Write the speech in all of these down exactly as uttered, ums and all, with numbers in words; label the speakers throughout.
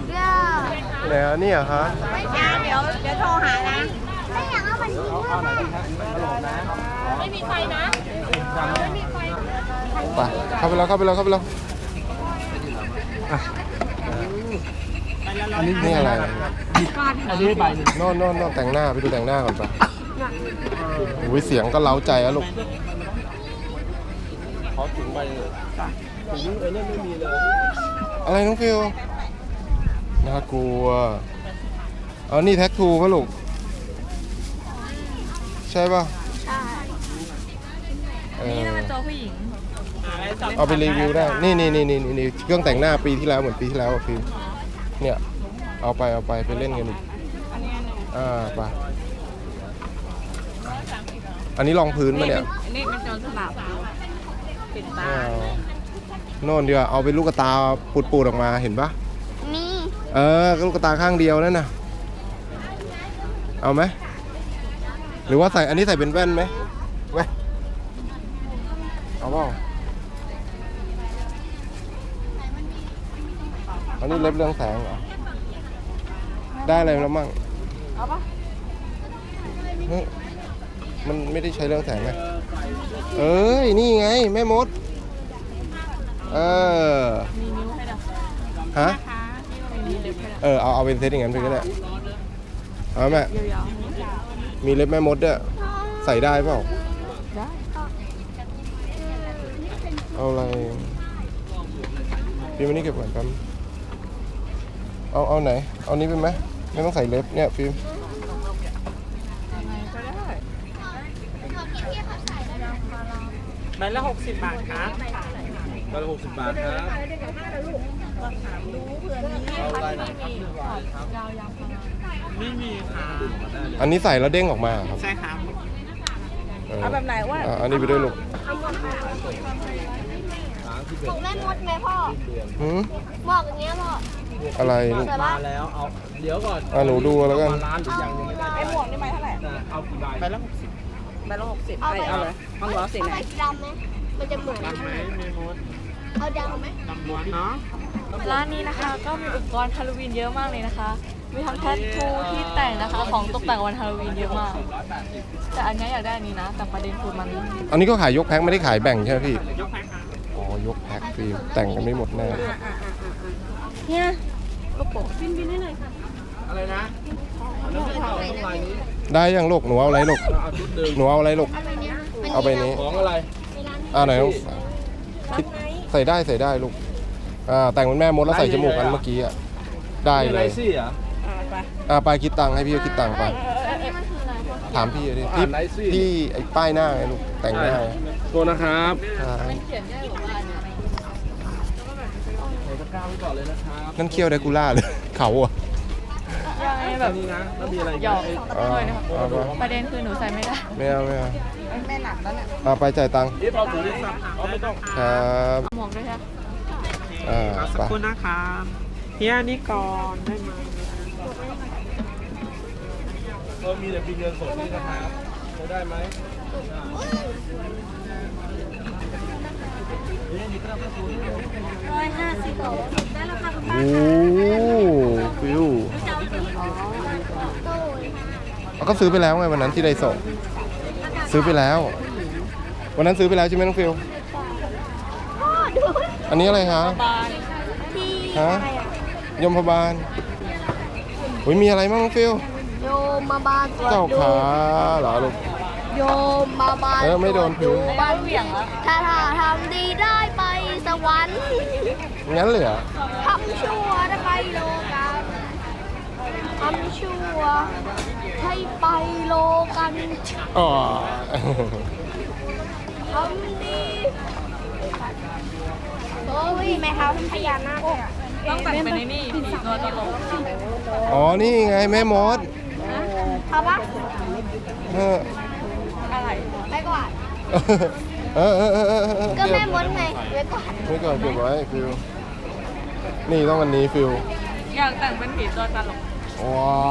Speaker 1: ด้วย
Speaker 2: ไหนอ่ะนี่อ่ะคะ
Speaker 1: ไม่ใช่เดี๋ยวเดี๋ยวโทรหานะไม่อยากเอามันทิ้งไม่มีไฟนะไม่มีไฟ
Speaker 2: ไปเข้าไปแล้วเข้าไปแล้วเข้าไปแล้วอันนี้นี่อะไร
Speaker 3: อันนี้ใบหนึ่ง
Speaker 2: โน่นโน่นโน่นแต่งหน้าไปดูแต่งหน้าก่อนไปอุ้ยเสียงก็เล้าใจอะลูก
Speaker 3: ขอถุงใบเลยถุงเออเนี่ยไม่มีเลย
Speaker 2: อะไรน้องฟิวน่ากลัวเอานี่แท็กทูป่ะลูกใช่ป่ะ
Speaker 1: ใช่
Speaker 2: นี่
Speaker 4: เป็นตัวผู้หญิง
Speaker 2: เอาไปรีวิวได้นี่นี่นี่นี่นี่เครื่องแต่งหน้าปีที่แล้วเหมือนปีที่แล้วฟิวเนี่ยเอาไปเอาไปไปเล่นกันอีกอ่าไปอันนี้รองพื้นมาเนี่ย
Speaker 4: อันนี้เป็นโจรสลับปิดตา
Speaker 2: โน่นเดียวเอาเป็นลูกตาปูดๆออกมาเห็นปะ
Speaker 1: นี่
Speaker 2: เออลูกตาข้างเดียวนั่นน่ะเอาไหมหรือว่าใส่อันนี้ใส่เป็นแว่นไหมแว่นเอาเปล่าอันนี้เล็บเรื่องแสงเหรอได้อะไรแล้วมั่งเอาปะเฮ้ยมันไม่ได้ใช้เรื่องแสงไหมเอ้ยนี่ไงแม่มดเออ
Speaker 4: มีนิ้วให้ดอก
Speaker 2: ฮะ
Speaker 4: มีเล็บให้ดอก
Speaker 2: เออเอาเอาเป็นเซตอย่างนั้นไปก็ได้เอาแม่
Speaker 4: ยาว
Speaker 2: มีเล็บแม่มดด้วยใส่ได้เปล่า
Speaker 4: ได้
Speaker 2: เอาอะไรฟิล์มอันนี้เก็บก่อนครับเอาเอาไหนเอานี้เป็นไหมไม่ต้องใส่เล็บเนี่ยฟิล์ม
Speaker 3: ใบละหกสิบบาทครับใบละหกสิบบาทครับเอาลายไหนครับไม่มีค่ะ
Speaker 2: อันนี้ใส่แล้วเด้งออกมาครับ
Speaker 3: ใช่ครับ
Speaker 4: เอาแบบไหนว่า
Speaker 2: อันนี้ไปด้วยลูก
Speaker 1: ถูกแม่มดไหมพ่อ
Speaker 2: หืม
Speaker 1: บอกอย่างเงี้ยพ่อ
Speaker 2: อะไรลูก
Speaker 3: มาแล้วเอาเดี๋ยวก่อน
Speaker 2: อ่ะหนูดูแล้วกัน
Speaker 3: ร้านหรือยังยังไม่ได้
Speaker 4: ไอ้หมวกนี่ใบเท่าไหร่
Speaker 3: เอากี่ใบใบละหกสิบ
Speaker 4: ใบละหกสิบเอาเลยเอาหัวสีไหน
Speaker 1: ดำไหมมันจะเหมือน
Speaker 3: ดำไหมมีมด
Speaker 1: เอาดำไหม
Speaker 3: ดำม้วนเนาะ
Speaker 4: ร้านนี้นะคะก็มีอุปกรณ์ฮาโลวีนเยอะมากเลยนะคะมีทั้งแทททูที่แต่งนะคะของตกแต่งวันฮาโลวีนเยอะมากแต่อันนี้อยากได้อันนี้นะแต่ประเด็นคือมัน
Speaker 2: อันนี้ก็ขายยกแพ็คไม่ได้ขายแบ่งใช่ไหมพี่
Speaker 3: ยกแพ็คครับ
Speaker 2: อ๋อยกแพ็คฟิล์มแต่งกันไม่หมดแน่
Speaker 4: เนี่ยลูกโป่ง
Speaker 3: บินบินให้หน่อยค่ะอะไรนะ
Speaker 2: ได้ยังลูกหนูเอาอะไรลูกหนูเอาอะไรลูกเอาไปนี้
Speaker 3: ของอะไร
Speaker 2: อ่าไหนลูกคิดใส่ได้ใส่ได้ลูกอ่าแต่งเป็นแม่มดแล้วใส่จมูกกันเมื่อกี้อ่ะได้เลยอ่าไปคิดตังค์ให้พี่คิดตังค์ไปถามพี่ดิที่ที่ไอ้ป้ายหน้าไงลูกแต่งหน้า
Speaker 3: ตัวนะครับ
Speaker 2: นั่นเคี้ยวไดกูล่าเลยเขาอ่ะ
Speaker 4: แบบนี้นะแล้วมีอะไรหยอกเลยนะครับประเด็นคือหนูใส่ไม่ได้
Speaker 2: ไม่เอาไม่เอา
Speaker 4: แม่หนักแล้วเนี่ย
Speaker 2: เอาไปจ่ายตังค์
Speaker 3: นี่เราถือได้สับเอาไม่ต้อง
Speaker 2: ครับ
Speaker 4: หมวกด้วยใช่ไหม
Speaker 2: อ่า
Speaker 3: สักครู่นะครับเฮียนี่ก่อนได้ไหมเรามีแต่บินเงินสดนี่นะครับจะได้ไหม
Speaker 1: ร้อยห้าสิบได้ราคาคุณป้า
Speaker 2: โอ้ฟิวเราก็ซื้อไปแล้วไงวันนั้นที่ได้ส่งซื้อไปแล้ววันนั้นซื้อไปแล้วใช่ไหมน้องฟิวอันนี้อะไรคะฮะยมพบาลโอ้ยมีอะไรบ้างน้องฟิว
Speaker 1: โยมมาบาล
Speaker 2: เจ้าขาเหรอลูก
Speaker 1: โยมมาบาล
Speaker 2: เออไม่โดนพื้น
Speaker 4: บ้านเหวี่ยงแล้ว
Speaker 1: ถ้าถ้าทำดีได้ไปสวรรค์
Speaker 2: งั้นเลยเหรอ
Speaker 1: ทำชั่วได้ไปโลกันทำชั่วให้ไปโลกัน
Speaker 2: อ๋อ
Speaker 1: ทำดีโอ้ยแม่เขาทำพญานาคเลยอ่ะ
Speaker 4: ต้องแต่งเป็นในนี่ตัวตลก
Speaker 2: อ๋อนี่ไงแม่มด
Speaker 1: เอาปะ
Speaker 2: เออ
Speaker 4: อะไร
Speaker 1: ไม่กวาด
Speaker 2: เออเออเออเออ
Speaker 1: ก็แม่มดไงไม่กวาด
Speaker 2: ไม่ก่อนเก็บไว้ฟิวนี่ต้องวันนี้ฟิว
Speaker 4: อยากแต่งเป็นผีตัวตลก
Speaker 2: ว้า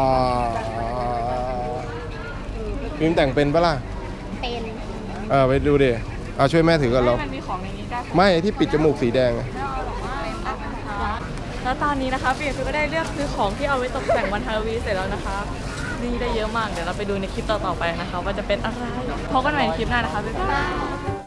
Speaker 2: ฟิล์มแต่งเป็นปะล่ะ
Speaker 1: เป็น
Speaker 2: เออไปดูดิเอาช่วยแม่ถือก่อนเรา
Speaker 4: มันมีของในนี้ได้
Speaker 2: ไม่ที่ปิดจมูกสีแดง
Speaker 4: แล้วตอนนี้นะคะปีฟิวก็ได้เลือกซื้อของที่เอาไว้ตกแต่งวันฮาโลวีนเสร็จแล้วนะคะนี่ได้เยอะมากเดี๋ยวเราไปดูในคลิปต่อๆไปนะคะว่าจะเป็นอะไรพบกันใหม่ในคลิปหน้านะคะบ๊ายบาย